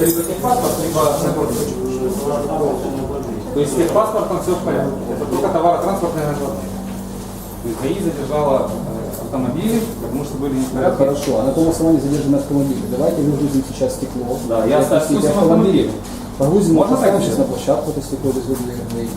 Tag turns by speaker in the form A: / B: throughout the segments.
A: либо техпаспорт, либо нагрузка. То есть с техпаспортом все в порядке. Это только товаротранспортное нагрузка. То есть ГАИ задержала автомобили, потому что были не в порядке.
B: Хорошо, а на каком основании задержаны автомобили? Давайте выгрузим сейчас стекло.
A: Да, я
B: спустим
A: автомобиль.
B: Погрузим,
A: Можно
B: поставим
A: так
B: сейчас на площадку, это стекло без ГАИ.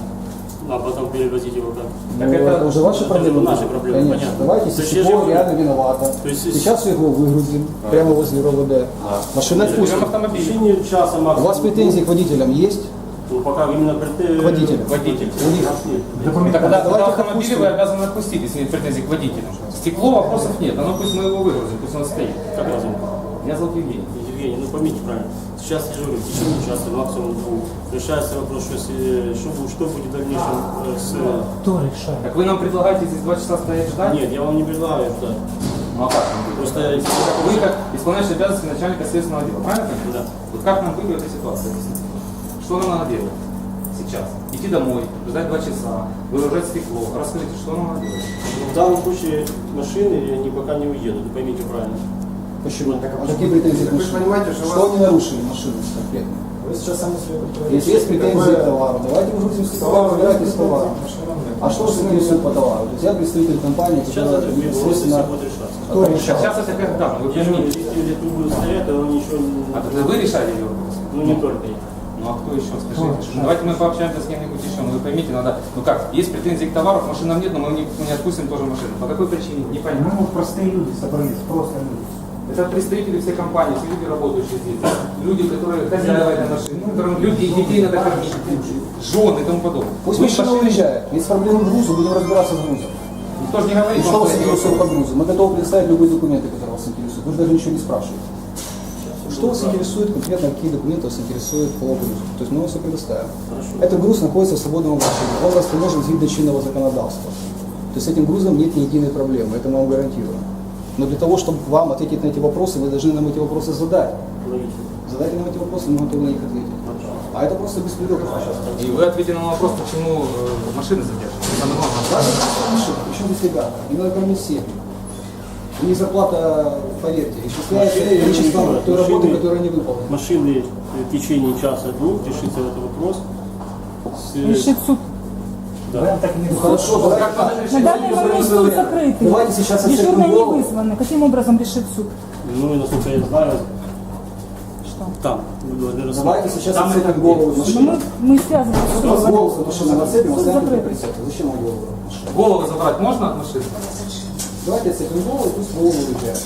C: А потом перевозить его как?
B: Ну, это уже ваши проблемы.
C: Наши проблемы,
B: конечно.
C: понятно.
B: Давайте, если стекло реально виновато. Сейчас его выгрузим прямо возле РОВД. Машина отпустим.
C: В течение часа
B: У
C: максимум.
B: вас претензии к водителям есть?
C: Ну, пока именно
B: К водителям.
A: Водитель.
B: У них.
A: Это когда
B: Давайте их
A: автомобили
B: отпустим.
A: вы обязаны отпустить, если нет претензий к водителям. Стекло вопросов нет, оно пусть мы его выгрузим, пусть он стоит.
C: Как вас зовут?
A: Меня зовут Евгений.
C: Евгений, ну поймите правильно. Сейчас я говорю, в течение часа, максимум двух, решается вопрос, что будет в дальнейшем с...
D: Кто решает?
A: Так вы нам предлагаете здесь 2 часа стоять ждать?
C: Нет, я вам не предлагаю ждать.
A: Ну а как нам быть?
C: Просто
A: Вы как исполняющий обязанности начальника следственного отдела, правильно?
C: Да.
A: Вот как нам быть в этой ситуации? Объясните. Что нам надо делать сейчас? Идти домой, ждать 2 часа, выгружать стекло. Расскажите, что нам надо делать?
C: в данном случае машины они пока не уедут, вы поймите правильно.
B: Почему? Какие претензии к машине? Что они нарушили машину конкретно?
D: Вы сейчас сами себе
B: Если есть претензии к товару, давайте выгрузим стекло, разбирайтесь с товаром. А что вас интересует по товару? То есть я представитель компании,
C: Сейчас
B: которая
C: это все
B: непосредственно...
C: будет решаться.
B: Кто решал?
A: Сейчас это когда? Вы поймите.
C: Если тут будут стоять, то ничего не...
A: А тогда вы решали ее вопрос?
C: Ну не только я.
A: Ну а кто еще? Скажите. Давайте мы пообщаемся с кем-нибудь еще. Ну вы поймите, надо... Ну как, есть претензии к товару, машин нам нет, но мы не отпустим тоже машину. По какой причине? Не понятно.
D: Ну, простые люди собрались, просто люди.
A: Это представители всей компании, все люди, работающие здесь. Люди, которые хозяева этой машины, которым люди и детей надо кормить, жены и тому подобное.
B: Пусть
A: Вы
B: машина
A: машины-
B: уезжает. Если проблемы в грузу, будем разбираться с грузом.
A: Никто же не говорит,
B: И что вас
A: это
B: интересует по грузу? Мы готовы предоставить любые документы, которые вас интересуют. Вы же даже ничего не спрашиваете. Что вас интересует конкретно, какие документы вас интересуют по грузу? То есть мы вам все предоставим. Этот груз находится в свободном обращении. Он расположен згідно чинного законодательства. То есть с этим грузом нет ни единой проблемы, это мы вам гарантируем. Но для того, чтобы вам ответить на эти вопросы, вы должны нам эти вопросы задать. Задайте нам эти вопросы, мы готовы на них ответить. А это просто беспредел.
A: И вы ответили на вопрос, почему машины задержаны. Самое главное.
B: Причем здесь ребята? Не надо кормить семьи. У них зарплата, поверьте, исчисляется количеством той работы, которую они выполнили.
C: Машины в течение часа-двух решится этот вопрос.
E: Решит суд.
C: Да.
D: Так не
B: Хорошо,
E: На данный момент суд закрытый.
B: давайте сейчас
E: Дежурные
B: отсекнем
E: не
B: голову.
E: вызваны. Каким образом решит суд?
C: Ну и насколько я знаю,
E: Что?
C: там. Вы должны рассмотреть.
B: Давайте сейчас
C: Там
B: отцепим
C: это
B: голову
C: где?
B: машины.
E: Мы связываемся с судом.
B: Голову машины отцепим,
E: Суд
B: оставим
E: закрытый.
B: прицеп. Зачем вам голову?
A: Голову забрать можно от машины?
B: Давайте отцепим голову, и пусть голову уезжает.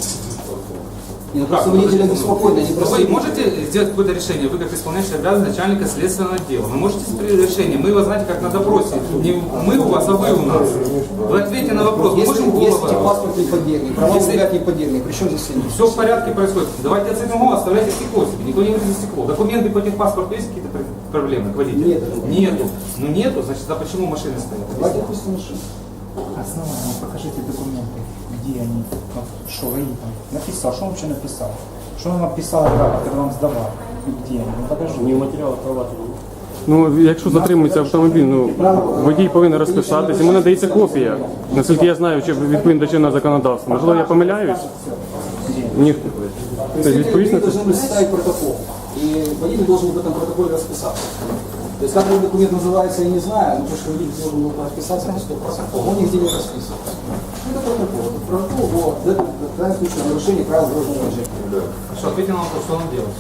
B: И ну,
A: Как?
B: просто водителя беспокойно, не
A: Ну,
B: просто...
A: вы можете сделать какое-то решение, вы как исполняющий обязанность начальника следственного отдела. Вы можете принять решение, мы вас знаете как на допросе. Не мы у вас, а вы у нас. Вы ответьте на вопрос, мы
B: Если
A: можем
B: есть
A: голову.
B: паспорт не поддельный, права не поддельные, причем здесь сильно?
A: Все в порядке происходит. Давайте отцепим голову, оставляйте стекло себе. Никто не выйдет за стекло. Документы по техпаспорту есть какие-то проблемы к водителю?
B: Нет.
A: Нету. Ну нету, значит, а почему машины стоят?
B: Давайте отпустим машину.
D: Основание, покажите документы, где они, вот, что ГАИ там написал, что он вообще написал, что он написал, когда вам сдавал, и где они, ну покажи.
C: Не в матеріалах права.
F: Ну, якщо затримується автомобіль, ну водій повинен розписатись, йому надається копія. Наскільки я знаю, чи відповідно до чинного законодавства. Можливо, я помиляюсь? Ні. Тобто відповідно.
B: Вы должны составить протокол. И водитель должен в этом протоколе расписаться. То есть как этот документ называется, я не знаю, но то, что водитель должен был расписаться, это 100%. Он нигде не расписан. Это протокол. Протокол о в данном случае нарушении правил дорожного движения.
A: Хорошо, ответьте на вопрос, что нам делать?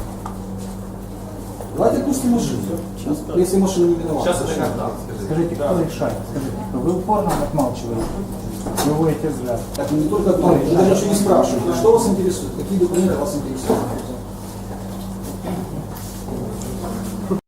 B: Давайте отпустим машину. Если машина не виновата.
A: Сейчас это когда?
D: Скажите, кто решает? Скажите, кто? Вы упорно отмалчиваете, вы вводите взгляд.
B: Так, не только одно, вы даже ничего не спрашиваете. Что вас интересует? Какие документы вас интересуют?